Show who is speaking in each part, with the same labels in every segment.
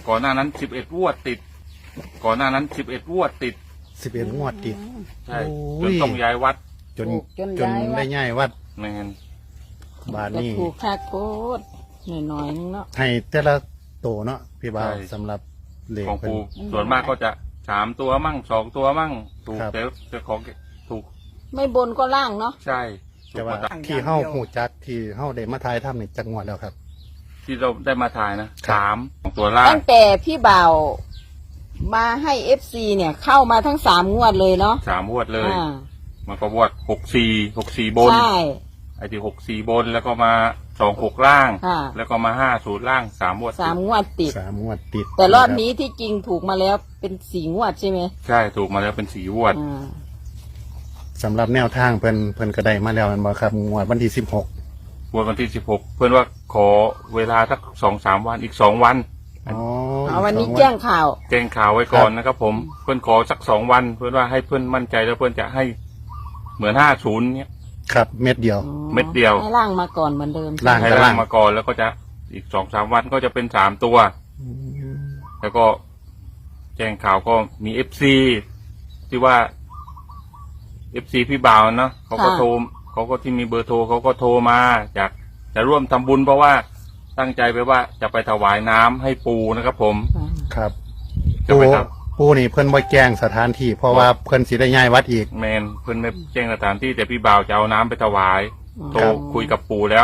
Speaker 1: ก่อนหน้านั้น11 งวดติด ก่อนหน้านั้น11 งวดติด
Speaker 2: 11 งวดติด
Speaker 1: ใช่
Speaker 2: โอ้
Speaker 1: จน
Speaker 2: ย
Speaker 1: ต้องย้ายวัด
Speaker 2: จน
Speaker 3: จน
Speaker 2: จน
Speaker 3: ย้ายวัด
Speaker 2: ได้ง่ายวัด
Speaker 1: แมน
Speaker 2: บาท
Speaker 3: ก็
Speaker 2: นี่
Speaker 3: ถูกค่าโคตรหน่อยๆนึงเนาะ
Speaker 2: ให้แต่ละโตเนาะพี่บ่าวสำหรับเลข
Speaker 1: ของ
Speaker 2: เพิ่น
Speaker 1: ปูส่วนมากก็จะ3 ตัวมั่ง2 ตัวมั่งถูก
Speaker 2: ครับ
Speaker 1: แต่ของถูก
Speaker 3: ไม่บนก็ล่างเนาะ
Speaker 1: ใช่ถู
Speaker 2: แต่
Speaker 1: ก
Speaker 2: ว่า
Speaker 1: หมดอะ
Speaker 2: ที่เฮาหูจักที่เฮาได้มาทายทำนี่จักงวดแล้วครับ
Speaker 1: ที่เราได้มาถ่ายนะ
Speaker 2: ครับ
Speaker 1: 3ของตัวล่าง
Speaker 3: ตั้งแต่พี่บ่าวมาให้เอฟซีเนี่ยเข้ามาทั้ง3 งวดเลยเนาะ
Speaker 1: 3 งวดเลย
Speaker 3: อ่า
Speaker 1: มันก็วด64บน
Speaker 3: ใช่
Speaker 1: ไอ้ที่64บนแล้วก็มา26ล่าง
Speaker 3: ค่ะ
Speaker 1: แล้วก็มา50ล่าง3 งวด
Speaker 3: 3 งวดติด
Speaker 2: 3 งวดติด
Speaker 3: แต่รอบนี้ที่จริงถูกมาแล้วเป็น4 งวดใช่ไหม
Speaker 1: ใช่ถูกมาแล้วเป็น4 งวด
Speaker 3: อ่า
Speaker 2: สำหรับแนวทางเพิ่นก็ได้มาแล้วแม่นบ่ครับงวดวันที่16
Speaker 1: งวดวันที่16เพื่อนว่าขอเวลาสัก2-3 วันอีก2 วัน
Speaker 2: อ๋อ
Speaker 3: เอาวันนี้
Speaker 2: สอ
Speaker 3: แจ้งข่าว
Speaker 1: แจ้งข่าวไว้ก่อนนะครับผมเพื่อนขอสัก2 วัน เพื่อนว่าให้เพื่อนมั่นใจแล้วเพื่อนจะให้เหมือน50เนี้ย
Speaker 2: ครับเม็ดเดียว
Speaker 3: อ๋อ
Speaker 1: เม็ดเดียว
Speaker 3: ให้ล่างมาก่อนเหมือนเดิม
Speaker 2: ล่าง
Speaker 1: ให้ล่างมาก่อนแล้วก็จะอีก2-3 วันก็จะเป็น3 ตัว แล้วก็แจ้งข่าวก็มี FC ที่ว่า FC พี่บ่าวเนาะเขาก็โทรเขาก็ที่มีเบอร์โทรเขาก็โทรมาอยากจะร่วมทำบุญเพราะว่าตั้งใจไปว่าจะไปถวายน้ำให้ปูนะครับผม
Speaker 3: อ่า
Speaker 2: ครับ
Speaker 1: จะไปท
Speaker 2: ปูนี่เพิ่นบ่แจ้งสถานที่เพราะว่าเพิ่นสิได้ย้ายวัดอีก
Speaker 1: ำแมนเพื่อนไม่แจ้งสถานที่แต่พี่บ่าวจะเอาน้ำไปถวาย โทรคุยกับปู่แล้ว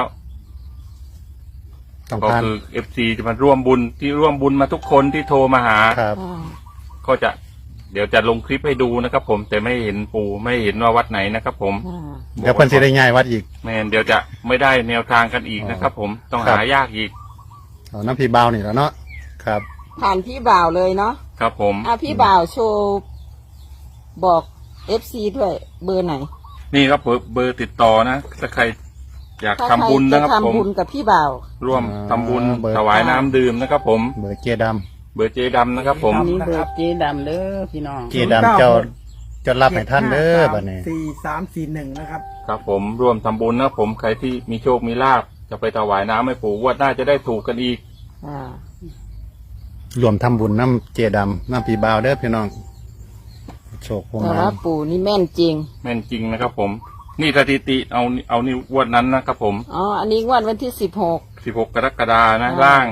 Speaker 2: ต้อง
Speaker 1: ก็
Speaker 2: การ
Speaker 1: คือ FC จะมาร่วมบุญที่ร่วมบุญมาทุกคนที่โทรมาหา
Speaker 2: ครับ
Speaker 3: อ่า
Speaker 1: ก็จะเดี๋ยวจะลงคลิปให้ดูนะครับผมแต่ไม่เห็นปู่ไม่เห็นว่าวัดไหนนะครับผม
Speaker 3: อ่า
Speaker 2: เดี๋ยวเพิ่นสิได้ย้ายวัดอีก
Speaker 1: แมนเดี๋ยวจะไม่ได้แนวทางกันอีกนะครับผมต้อง
Speaker 2: ครับ
Speaker 1: หายากอีก
Speaker 2: เอาน้ำพี่บ่าวนี่แล้วเนาะครับ
Speaker 3: ผ่านพี่บ่าวเลยเนาะ
Speaker 1: ครับผม
Speaker 3: พี่บ่าวโชว์บอกเอฟซีด้วยเบอร์ไหน
Speaker 1: นี่ครับเบอร์ติดต่อนะถ้าใครอยาก
Speaker 3: ถ้า
Speaker 1: ทำบุญ
Speaker 3: ใคร
Speaker 1: นะ
Speaker 3: จะ
Speaker 1: ครับผม
Speaker 3: ทำบุญกับพี่บ่าว
Speaker 1: ร่วมทำบุญ
Speaker 2: เบอร์
Speaker 1: ถวายน้ำดื่มนะครับผม
Speaker 2: เบอร์เจดำ
Speaker 1: เบอร์เจดำนะครับผม
Speaker 3: อันนี้เบอร์เจ๊ดำเด้อพี่น้อง
Speaker 2: เจดำเจ้าจะรับให้ท่านเด้อบัดนี้
Speaker 4: 4341นะครับ
Speaker 1: ครับผมร่วมทำบุญนะครับผมใครที่มีโชคมีลาภจะไปถวายน้ำให้ปู่งวดหน้าจะได้ถูกกันอีก
Speaker 3: อ่าร
Speaker 2: วมทำบุญน้ำเจดำน้ำพี่บ่าวเด้อพี่น้องโชคพวง
Speaker 3: แต่
Speaker 2: มา
Speaker 3: ว่าปู่นี่แม่นจริง
Speaker 1: แม่นจริงนะครับผม นี่สถิติเอานี่งวดนั้นนะครับผม
Speaker 3: อ๋อ อันนี้งวดวันที่16
Speaker 1: 16 กรกฎานะ
Speaker 3: อ่า
Speaker 1: ล่าง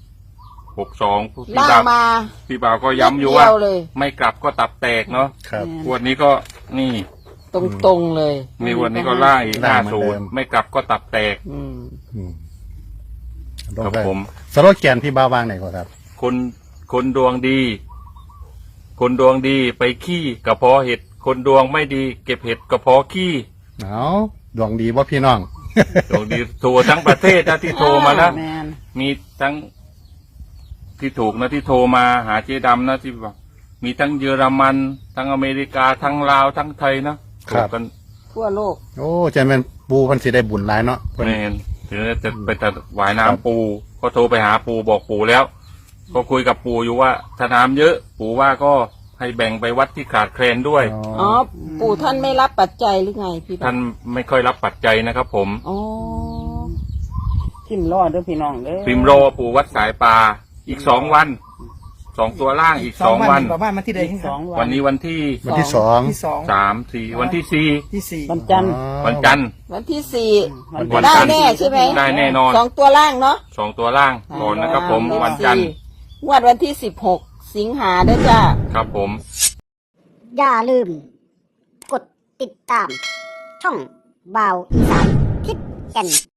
Speaker 1: 62พี่
Speaker 3: ล่าง
Speaker 1: บ่าว
Speaker 3: มา
Speaker 1: พี่บ่าวก็ย้ำอยู่ว่า
Speaker 3: นิดเดีเลย
Speaker 1: ไม่กลับก็ตับแตกเนาะ
Speaker 2: ครับ
Speaker 1: งวดนี้ก็นี่
Speaker 3: ตรงๆเลย
Speaker 1: มีวันนี้ก็ล่างอีก
Speaker 2: ล่างเหมือนเดิม
Speaker 1: 50ไม่กลับก็ตับแตก
Speaker 3: อืม
Speaker 2: อืม
Speaker 1: ครับผม
Speaker 2: สโลแกนพี่บ่าววางไหนก่อนครับ
Speaker 1: คนดวงดี คนดวงดีไปขี้กระเพาะเห็ด คนดวงไม่ดี เก็บเห็ดกระเพาะขี้
Speaker 2: เอาดวงดีว่าพี่น้อง
Speaker 1: ดวงดีโทรทั้งประเทศนะที่โทรมานะ
Speaker 3: แมน
Speaker 1: มีทั้งที่ถูกนะที่โทรมาหาเจ๊ดำนะที่บอกมีทั้งเยอรมัน ทั้งอเมริกาทั้งลาวทั้งไทยนะ
Speaker 2: ครั
Speaker 1: ถู
Speaker 2: บ
Speaker 1: กกัน
Speaker 3: ทั่วโลก
Speaker 2: โอ้จะเป็นปูเพันสิได้บุญหลายเนาะเพิ่น
Speaker 1: แมนถึงจะไปถวายน้ำปูก็โทรไปหาปูบอกปูแล้ว ก็คุยกับปูอยู่ว่าถ้าน้ำเยอะ ปูว่าก็ให้แบ่งไปวัดที่ขาดแคลนด้วย
Speaker 3: อ๋อ ปู่ท่านไม่รับปัจจัยหรือไงพี่บ่าว
Speaker 1: ท่านไม่ค่อยรับปัจจัยนะครับผม
Speaker 3: อ๋อ
Speaker 4: พิมพ์รอดเด้อพี่น้องเด้อ
Speaker 1: พิมโรปูวัดสายปลาอีก2 วัน2 ตัวล่างอีก2 วัน
Speaker 4: ประมาณวันที่ใดครับ
Speaker 3: 2
Speaker 1: วันนี้วันที่
Speaker 2: วันที่สอง
Speaker 4: ที่2
Speaker 1: 3-4วันที่
Speaker 4: ที่
Speaker 3: วันจันทร์
Speaker 1: วันจันทร์
Speaker 3: วันที่
Speaker 1: วัน
Speaker 3: 4 ได้
Speaker 1: จันทร์
Speaker 3: แน่ใช่ไหม
Speaker 1: ได้แน่นอน
Speaker 3: 2 ตัวล่างเนาะ
Speaker 1: 2 ตัวล่างก่อนนะครับผม
Speaker 3: เลข
Speaker 1: วันจันทร์
Speaker 3: 4งวดวันที่16 สิงหาเด้อจ้า
Speaker 1: ครับผม
Speaker 5: อย่าลืม กดติดตาม ช่องบ่าวอีสานทิศแก่น